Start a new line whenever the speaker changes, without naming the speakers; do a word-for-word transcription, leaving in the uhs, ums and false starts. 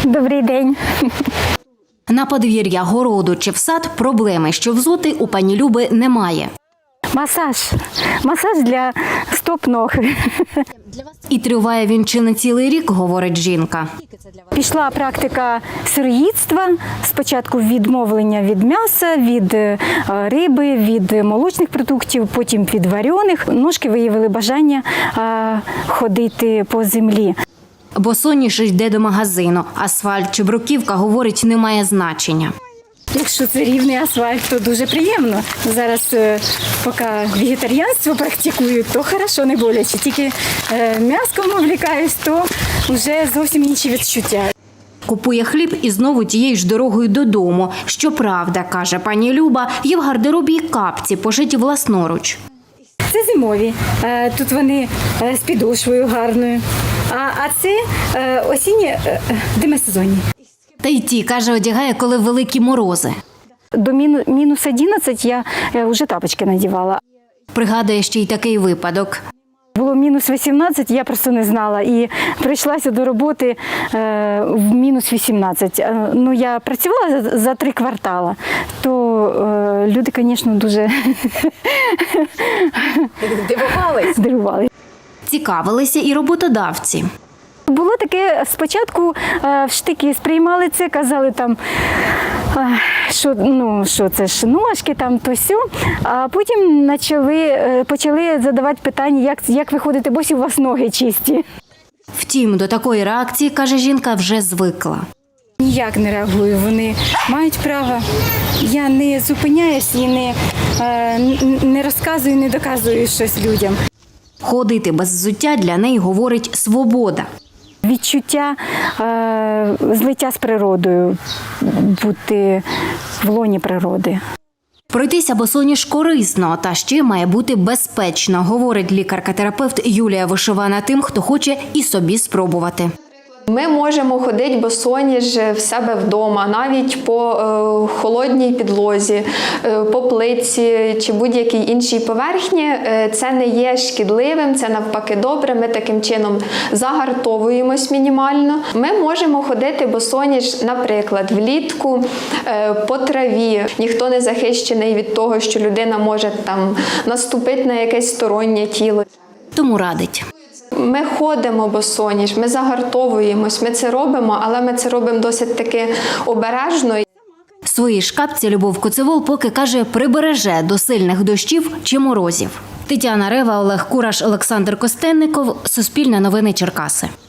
Добрий день.
На подвір'я, городу чи в сад проблеми, що взути, у пані Люби немає.
Масаж. Масаж для стоп-ног.
І триває він чи не цілий рік, говорить жінка.
Пішла практика сироїдства. Спочатку відмовлення від м'яса, від е, риби, від молочних продуктів, потім від варених. Ножки виявили бажання е, ходити по землі.
Босоніж йде до магазину. Асфальт чи бруківка, говорить, не має значення.
Якщо це рівний асфальт, то дуже приємно. Зараз, е, поки вегетаріанство практикую, то хорошо, не боляче. Тільки е, м'яском увлікаюсь, то вже зовсім інші відчуття.
Купує хліб і знову тією ж дорогою додому. Щоправда, каже пані Люба, є в гардеробі й капці, пошиті власноруч.
Це зимові. Е, Тут вони е, з підошвою гарною. А, а це е, осінні е, демисезонні.
Та й ті, каже, одягає, коли великі морози.
До міну- мінус одинадцять я е, вже тапочки надівала.
Пригадує ще й такий випадок.
Було мінус вісімнадцять, я просто не знала. І прийшлася до роботи е, в мінус вісімнадцять. Е, ну, я працювала за, за три квартала, то е, люди, звісно, дуже
Дивувались?
здивували.
Цікавилися і роботодавці.
Було таке, спочатку е, в штики сприймали це, казали там, е, що, ну, що це ж ножки, там, то сьо. А потім почали, е, почали задавати питання, як, як ви ходите, босі у вас ноги чисті.
Втім, до такої реакції, каже жінка, вже звикла.
Ніяк не реагую, вони мають право. Я не зупиняюсь і не, е, не розказую, не доказую щось людям.
Ходити без взуття для неї, говорить, свобода.
Відчуття е, злиття з природою, бути в лоні природи.
Пройтися босоніж корисно, та ще має бути безпечно, говорить лікарка-терапевт Юлія Вишивана тим, хто хоче і собі спробувати.
Ми можемо ходити босоніж в себе вдома, навіть по е, холодній підлозі, е, по плитці чи будь-якій іншій поверхні. Е, це не є шкідливим, це навпаки добре. Ми таким чином загартовуємось мінімально. Ми можемо ходити босоніж, наприклад, влітку е, по траві. Ніхто не захищений від того, що людина може там наступити на якесь стороннє тіло.
Тому радить.
Ми ходимо босоніж, ми загартовуємось, ми це робимо, але ми це робимо досить таки обережно.
В своїй шкапці Любов Коцевол поки, каже, прибереже до сильних дощів чи морозів. Тетяна Рева, Олег Кураш, Олександр Костенников. Суспільне новини Черкаси.